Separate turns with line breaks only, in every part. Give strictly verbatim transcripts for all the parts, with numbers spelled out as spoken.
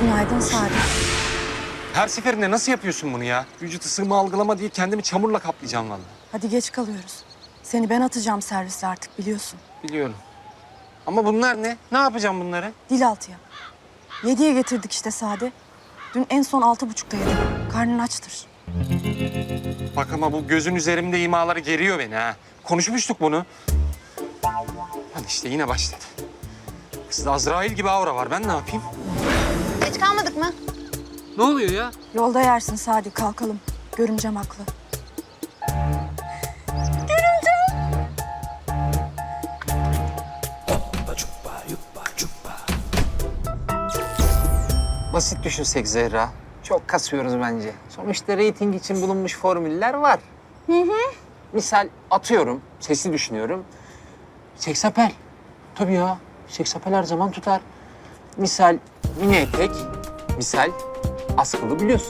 Günaydın Sadi.
Her seferinde nasıl yapıyorsun bunu ya? Vücut ısımı algılama diye kendimi çamurla kaplayacağım vallahi.
Hadi geç kalıyoruz. Seni ben atacağım servise artık biliyorsun.
Biliyorum. Ama bunlar ne? Ne yapacağım bunları?
Dil altıya. Yediye getirdik işte Sadi. Dün en son altı buçukta yedim. Karnın açtır.
Bak ama bu gözün üzerimde imaları geriyor beni ha. Konuşmuştuk bunu. Hadi işte yine başladı. Kızda Azrail gibi aura var. Ben ne yapayım?
Geç kalmadık mı?
Ne oluyor ya?
Yolda yersin Sadi, kalkalım. Görümcem haklı.
Basit düşünsek Zehra. Çok kasıyoruz bence. Sonuçta reyting için bulunmuş formüller var. Hı hı. Misal atıyorum, sesi düşünüyorum. Seksapel. Tabii ya, seksapel her zaman tutar. Misal mini etek, misal askılı bluz.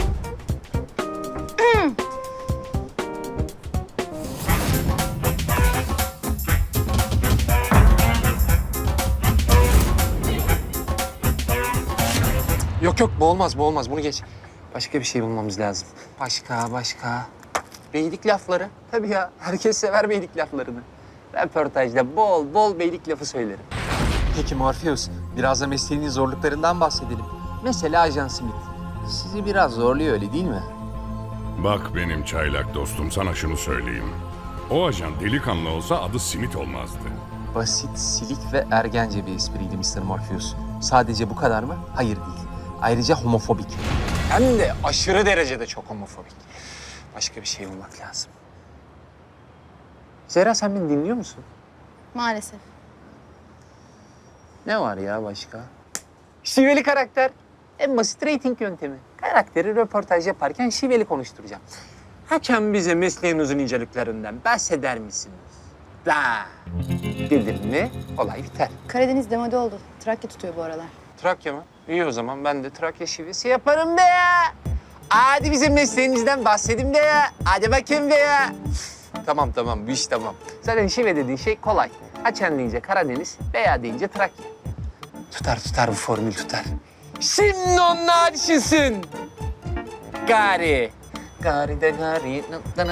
Yok yok bu olmaz bu olmaz. Bunu geç. Başka bir şey bulmamız lazım.
Başka, başka. Beylik lafları. Tabii ya, herkes sever beylik laflarını. Röportajda bol bol beylik lafı söylerim.
Peki Morpheus, biraz da mesleğinin zorluklarından bahsedelim.
Mesela Ajan Smith. Sizi biraz zorluyor öyle değil mi?
Bak benim çaylak dostum, sana şunu söyleyeyim. O ajan delikanlı olsa adı Simit olmazdı.
Basit, silik ve ergence bir espriydi mister Morpheus. Sadece bu kadar mı? Hayır değil. Ayrıca homofobik. Hem de aşırı derecede çok homofobik. Başka bir şey bulmak lazım.
Zehra sen beni dinliyor musun?
Maalesef.
Ne var ya başka? Şiveli karakter. En basit reyting yöntemi. Karakteri röportaj yaparken şiveli konuşturacağım. Hakem bize mesleğinizin inceliklerinden bahseder misiniz? Da. Dedim mi olay biter.
Karadeniz demode oldu. Trakya tutuyor bu aralar.
Trakya mı? İyi o zaman ben de Trakya
Şivesi yaparım be ya. Hadi bize mesleğinizden bahsedin be ya. Hadi bakayım be ya. Tamam tamam bu iş tamam. Zaten şive dediğin şey kolay. Haçan deyince Karadeniz, veya deyince Trakya. Tutar tutar bu formül tutar. Şimdi onlar düşünsün. Gari. Gari de gari.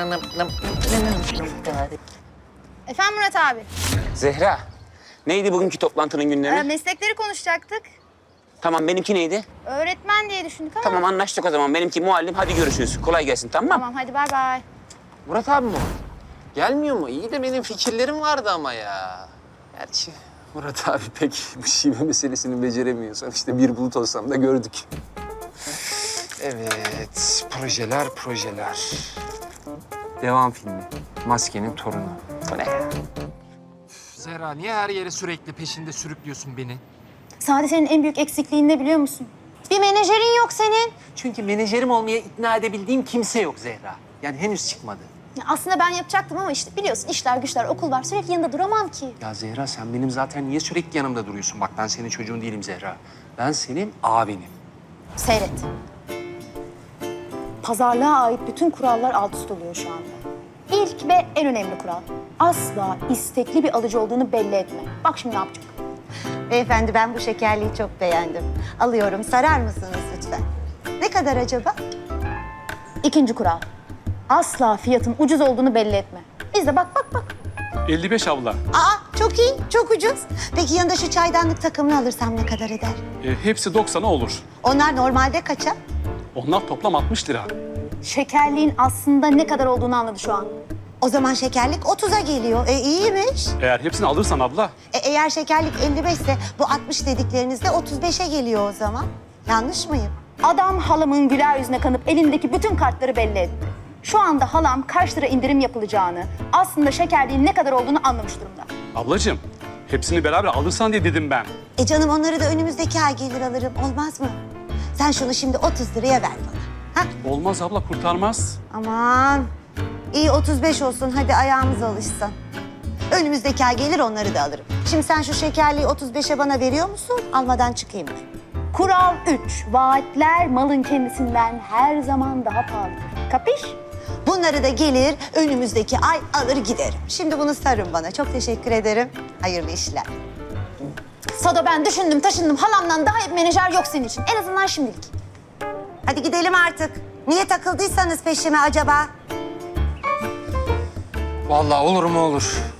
Gari.
Efendim Murat abi.
Zehra, neydi bugünkü toplantının gündemi?
Ee, meslekleri konuşacaktık.
Tamam, benimki neydi?
Öğretmen diye düşündük ama.
Tamam, anlaştık o zaman. Benimki muallim. Hadi görüşürüz. Kolay gelsin, tamam mı?
Tamam hadi bay bay.
Murat abi mi o? Gelmiyor mu? İyi de benim fikirlerim vardı ama ya. Gerçi Murat abi pek bu şive meselesini beceremiyor. Sonuçta bir bulut olsam da gördük.
Evet, projeler, projeler. Devam filmi. Maskenin torunu.
Bu ne ya?
Zehra, niye her yere sürekli peşinde sürüklüyorsun beni?
Sadi senin en büyük eksikliğin ne biliyor musun? Bir menajerin yok senin.
Çünkü menajerim olmaya ikna edebildiğim kimse yok Zehra. Yani henüz çıkmadı.
Ya aslında ben yapacaktım ama işte biliyorsun işler güçler okul var sürekli yanında duramam ki.
Ya Zehra, sen benim zaten niye sürekli yanımda duruyorsun? Bak ben senin çocuğun değilim Zehra. Ben senin abinim.
Seyret. Pazarlığa ait bütün kurallar alt üst oluyor şu anda. İlk ve en önemli kural. Asla istekli bir alıcı olduğunu belli etme. Bak şimdi ne yapacak?
Beyefendi ben bu şekerliği çok beğendim. Alıyorum. Sarar mısınız lütfen? Ne kadar acaba?
İkinci kural. Asla fiyatın ucuz olduğunu belli etme. Biz de bak bak bak.
elli beş abla.
Aa çok iyi, çok ucuz. Peki yanında şu çaydanlık takımını alırsam ne kadar eder?
E, hepsi doksana olur.
Onlar normalde kaça?
Onlar toplam altmış lira.
Şekerliğin aslında ne kadar olduğunu anladı şu an.
O zaman şekerlik otuza geliyor. E iyiymiş.
Eğer hepsini alırsan abla,
E, eğer şekerlik elli beş ise bu altmış dediklerinizde otuz beşe geliyor o zaman. Yanlış mıyım?
Adam halamın güler yüzüne kanıp elindeki bütün kartları belli etti. Şu anda halam kaç lira indirim yapılacağını, aslında şekerliğin ne kadar olduğunu anlamış durumda.
ablacığım hepsini beraber alırsan diye dedim ben.
E canım onları da önümüzdeki ay gelir alırım. Olmaz mı? Sen şunu şimdi otuz liraya ver bana. Ha?
Olmaz abla, kurtarmaz.
Aman. İyi otuz beş olsun. Hadi ayağımız alışsın. Önümüzdeki ay gelir onları da alırım. Şimdi sen şu şekerliği otuz beşe bana veriyor musun? Almadan çıkayım ben.
Kural üç. Vaatler malın kendisinden her zaman daha pahalıdır. Kapış?
Bunları da gelir önümüzdeki ay alır giderim. Şimdi bunu sarın bana. Çok teşekkür ederim. Hayırlı işler.
Sado ben düşündüm taşındım. Halamdan daha iyi bir menajer yok senin için. En azından şimdilik.
Hadi gidelim artık. Niye takıldıysanız peşime acaba?
Vallahi olur mu olur.